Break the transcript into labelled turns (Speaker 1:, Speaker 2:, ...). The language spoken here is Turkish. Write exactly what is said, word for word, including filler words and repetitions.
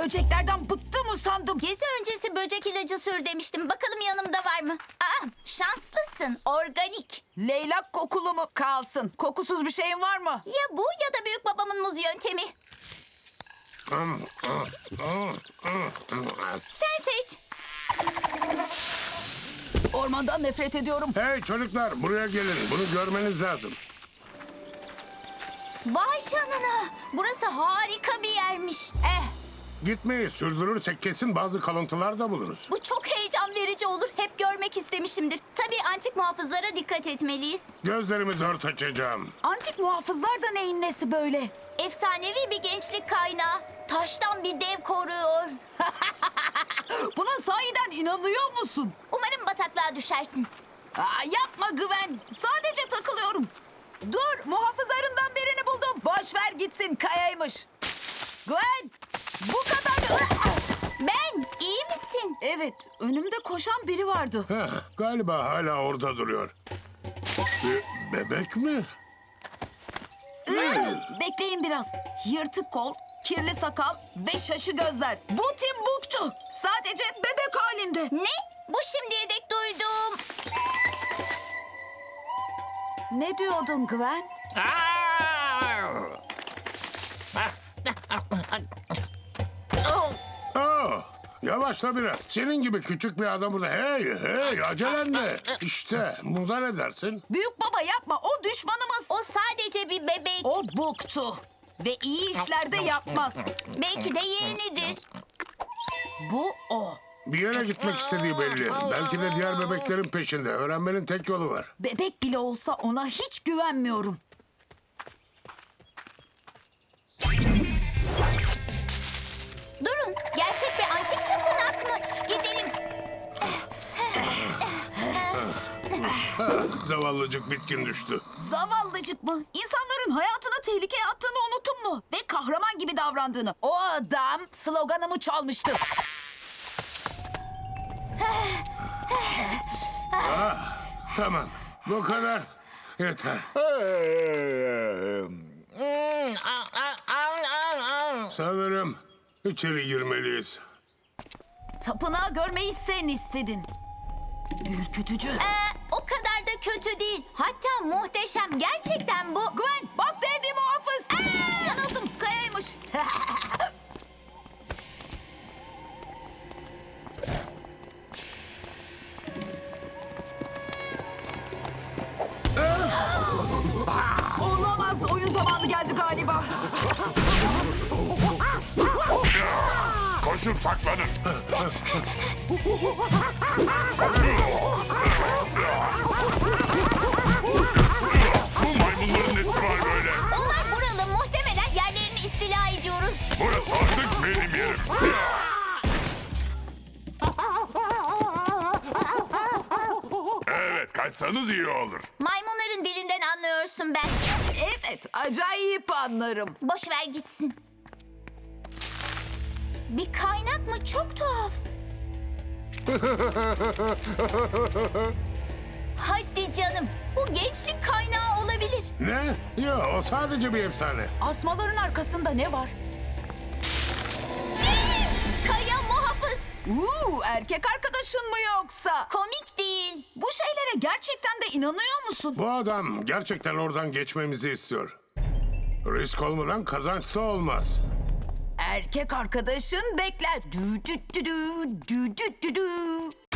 Speaker 1: böceklerden bıktım usandım.
Speaker 2: Gezi öncesi böcek ilacı sür demiştim. Bakalım yanımda var mı? Aa, şanslısın. Organik.
Speaker 1: Leylak kokulu mu kalsın? Kokusuz bir şeyin var mı?
Speaker 2: Ya bu ya da büyük babamın muz yöntemi. Sen seç.
Speaker 1: Ormandan nefret ediyorum.
Speaker 3: Hey çocuklar buraya gelin. Bunu görmeniz lazım.
Speaker 2: Vay canına. Burası harika bir yermiş.
Speaker 1: Eh,
Speaker 3: Gitmeyi sürdürürsek kesin bazı kalıntılar da buluruz.
Speaker 2: Bu çok heyecan verici olur. Hep görmek istemişimdir. Tabii antik muhafızlara dikkat etmeliyiz.
Speaker 3: Gözlerimi dört açacağım.
Speaker 1: antik muhafızlar da neyin nesi böyle?
Speaker 2: Efsanevi bir gençlik kaynağı. Taştan bir dev koruyor.
Speaker 1: Buna sahiden inanıyor musun?
Speaker 2: Umarım bataklığa düşersin.
Speaker 1: Aa, yapma Gwen. Sadece takılıyorum. Dur, muhafızlarından birini buldum. Boş ver gitsin, kayaymış. Gwen, bu kadar...
Speaker 2: Ben, iyi misin?
Speaker 1: Evet, önümde koşan biri vardı.
Speaker 3: Heh, galiba hala orada duruyor. Be- bebek mi?
Speaker 1: Bekleyin biraz. Yırtık kol, kirli sakal ve şaşı gözler. Bu Timbuktu. Sadece bebek halinde.
Speaker 2: Ne? Bu şimdiye dek duydum.
Speaker 1: Ne diyordun Gwen? Oh,
Speaker 3: Aa, yavaşla biraz. Senin gibi küçük bir adam burada. Hey hey acelen ne? İşte muza ne dersin?
Speaker 1: büyük baba yapma, o düşmanımız.
Speaker 2: O sadece bir bebek.
Speaker 1: O Buktu. Ve iyi işlerde yapmaz.
Speaker 2: Belki de yeğenidir.
Speaker 1: Bu o.
Speaker 3: Bir yere gitmek istediği belli. Belki de diğer bebeklerin peşinde. Öğrenmenin tek yolu var.
Speaker 1: Bebek bile olsa ona hiç güvenmiyorum.
Speaker 2: Durun, gerçek bir antik tapınak mı? Gidelim.
Speaker 3: Zavallıcık bitkin düştü.
Speaker 1: Zavallıcık mı? İnsanların hayatını tehlikeye attığını unuttun mu? Ve kahraman gibi davrandığını. O adam sloganımı çalmıştı.
Speaker 3: Tamam. Bu kadar. Yeter. Sanırım içeri girmeliyiz.
Speaker 1: Tapınağı görmeyi sen istedin. Ürkütücü.
Speaker 2: Ee, o kadar da kötü değil. Hatta muhteşem. Gerçekten bu.
Speaker 1: Gwen bak dev bir muhafız. Yanıldım, kayaymış. Olamaz, oyun zamanı geldi galiba.
Speaker 4: Koşup saklanın. Bu maymunların nesi var böyle?
Speaker 2: Onlar buralı. Muhtemelen yerlerini istila ediyoruz.
Speaker 4: Burası artık benim yerim. Evet, kaçsanız iyi olur.
Speaker 2: Maymunların dilinden anlıyorsun ben.
Speaker 1: Evet, acayip anlarım.
Speaker 2: Boş ver gitsin. Bir kaynak mı? Çok tuhaf. Hadi canım. Bu gençlik kaynağı olabilir.
Speaker 3: Ne? Yok o sadece bir efsane.
Speaker 1: Asmaların arkasında ne var?
Speaker 2: Kaya muhafız.
Speaker 1: Uuu, erkek arkadaşın mı yoksa?
Speaker 2: Komik değil.
Speaker 1: Bu şeylere gerçekten de inanıyor musun?
Speaker 3: Bu adam gerçekten oradan geçmemizi istiyor. Risk olmadan kazanç da olmaz.
Speaker 1: Erkek arkadaşın bekler. Dü dü dü dü, dü dü dü dü.